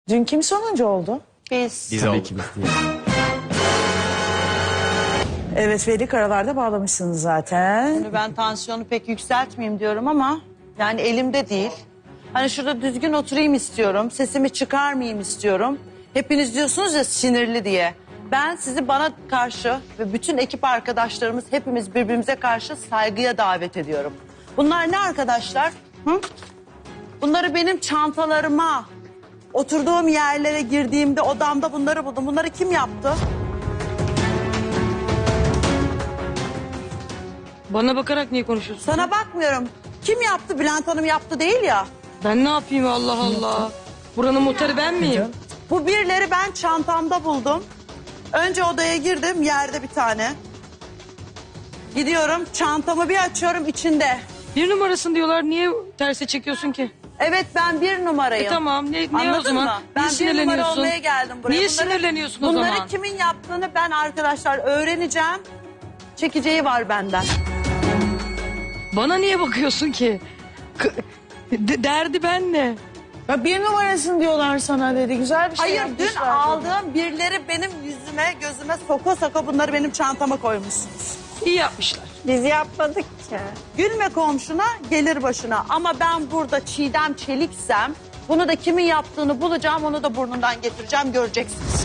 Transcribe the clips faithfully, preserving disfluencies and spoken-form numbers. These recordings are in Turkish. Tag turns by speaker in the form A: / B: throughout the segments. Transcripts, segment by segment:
A: Dün kim sonuncu oldu?
B: Biz.
C: Biz
D: Tabii
C: olduk.
D: ki biz değil.
A: Evet, belli karalarda bağlamışsınız zaten.
B: Şimdi ben tansiyonu pek yükseltmeyeyim diyorum ama yani elimde değil. Hani şurada düzgün oturayım istiyorum. Sesimi çıkarmayayım istiyorum. Hepiniz diyorsunuz ya sinirli diye. Ben sizi bana karşı ve bütün ekip arkadaşlarımız hepimiz birbirimize karşı saygıya davet ediyorum. Bunlar ne arkadaşlar? Hı? Bunları benim çantalarıma, oturduğum yerlere girdiğimde odamda bunları buldum. Bunları kim yaptı?
E: Bana bakarak niye konuşuyorsun?
B: Sana bakmıyorum. Kim yaptı? Bülent Hanım yaptı değil ya.
E: Ben ne yapayım Allah Allah. Buranın muhtarı ben miyim?
B: Bu birleri ben çantamda buldum. Önce odaya girdim, yerde bir tane. Gidiyorum, çantamı bir açıyorum, içinde.
E: Bir numarasın diyorlar, niye terse çekiyorsun ki?
B: Evet, ben bir numarayım.
E: E tamam, ne, ne
B: Anladın
E: o zaman?
B: mı?
E: Niye
B: Ben bir numara
E: sinirleniyorsun?
B: olmaya geldim buraya.
E: Niye
B: Bunları-
E: sinirleniyorsun o
B: Bunları
E: zaman?
B: kimin yaptığını ben arkadaşlar öğreneceğim. Çekeceği var benden.
E: Bana niye bakıyorsun ki? K- de- derdi ben ne?
A: Ya bir numarasın diyorlar sana dedi. Güzel bir şey
B: Hayır, dün
A: yapmışlar.
B: aldığım birileri benim yüzüme, gözüme soka soka bunları benim çantama koymuşsunuz.
E: İyi yapmışlar.
F: Biz yapmadık ki.
B: Gülme komşuna, gelir başına. Ama ben burada Çiğdem Çeliksem, bunu da kimin yaptığını bulacağım, onu da burnundan getireceğim, göreceksiniz.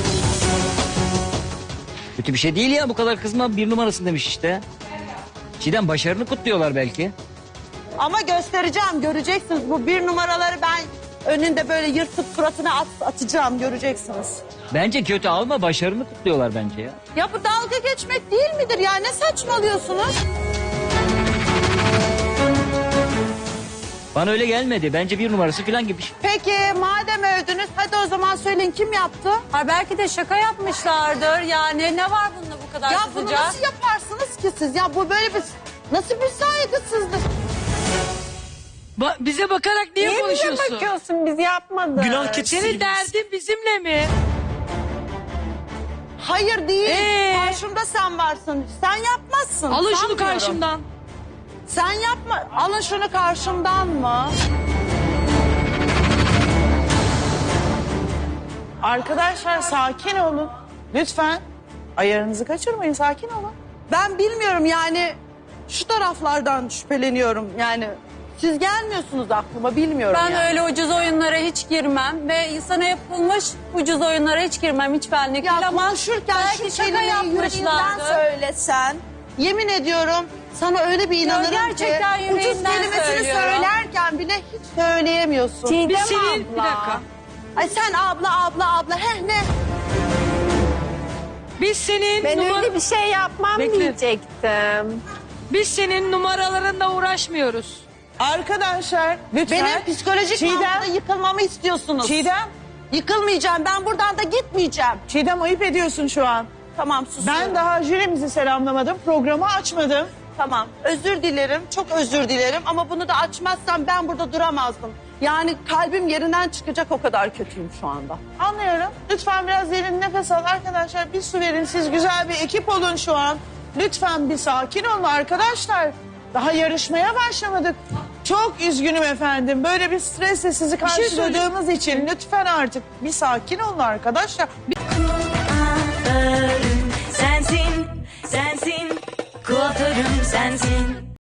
C: Kötü bir şey değil ya, bu kadar kızma, bir numarasın demiş işte. Çiğdem başarını kutluyorlar belki.
B: Ama göstereceğim, göreceksiniz. Bu bir numaraları ben önünde böyle yırtıp suratına at, atacağım, göreceksiniz.
C: Bence kötü alma, başarını kutluyorlar bence ya.
B: Ya bu dalga geçmek değil midir ya? Ne saçmalıyorsunuz?
C: Bana öyle gelmedi. Bence bir numarası falan gibi.
B: Peki madem övdünüz, hadi o zaman söyleyin kim yaptı?
F: Ha, belki de şaka yapmışlardır. Yani ne var bunda bu kadar
B: Ya bunu
F: kızacak?
B: nasıl yaparsınız ki siz? Ya bu böyle bir... Nasıl bir saygısızlık?
E: Ba- bize bakarak niye,
F: Niye bize
E: konuşuyorsun?
F: bakıyorsun? Biz yapmadık.
D: Günah keçisi
E: Senin
D: gibi.
E: derdin bizimle mi?
B: Hayır değil.
E: Ee?
B: Karşımda sen varsın. Sen yapmazsın.
E: Alın şunu
B: sanmıyorum.
E: karşımdan.
B: Sen yapma. Alın şunu karşımdan mı?
A: Arkadaşlar sakin olun. Lütfen. Ayarınızı kaçırmayın, sakin olun.
B: Ben bilmiyorum yani şu taraflardan şüpheleniyorum yani. Siz gelmiyorsunuz aklıma, bilmiyorum
F: Ben
B: yani.
F: öyle ucuz oyunlara hiç girmem ve insana yapılmış ucuz oyunlara hiç girmem. Hiç benlik değil
B: Ya
F: ama
B: konuşurken
F: belki
B: şu
F: şaka
B: kelimeyi yüreğinden
F: yapmışlardı.
B: söylesen, yemin ediyorum sana öyle bir inanırım
F: gerçekten
B: ki ucuz
F: yüreğimden
B: kelimesini
F: söylüyorum.
B: söylerken bile hiç söyleyemiyorsun.
F: Çiğdem
E: Biz senin...
F: abla.
E: Bir dakika.
B: Ay sen abla abla abla heh ne?
E: Biz senin
F: Ben
E: numara-
F: öyle bir şey yapmam
E: Bekle.
F: diyecektim.
E: Biz senin numaralarınla uğraşmıyoruz.
A: Arkadaşlar lütfen.
B: Benim psikolojik
A: Çiğdem,
B: manada yıkılmamı istiyorsunuz.
A: Çiğdem,
B: Yıkılmayacağım, ben buradan da gitmeyeceğim.
A: Çiğdem ayıp ediyorsun şu an.
B: Tamam susuyorum.
A: Ben daha jürimizi selamlamadım, programı açmadım.
B: Tamam, özür dilerim, çok özür dilerim ama bunu da açmazsam ben burada duramazdım. Yani kalbim yerinden çıkacak, o kadar kötüyüm şu anda.
A: Anlıyorum. Lütfen biraz derin nefes al arkadaşlar. Bir su verin. Siz güzel bir ekip olun şu an. Lütfen bir sakin olun arkadaşlar. Daha yarışmaya başlamadık. Çok üzgünüm efendim. Böyle bir stresle sizi karşıladığımız için lütfen artık bir sakin olun arkadaşlar.
G: Sensin, sensin, kuaförüm sensin.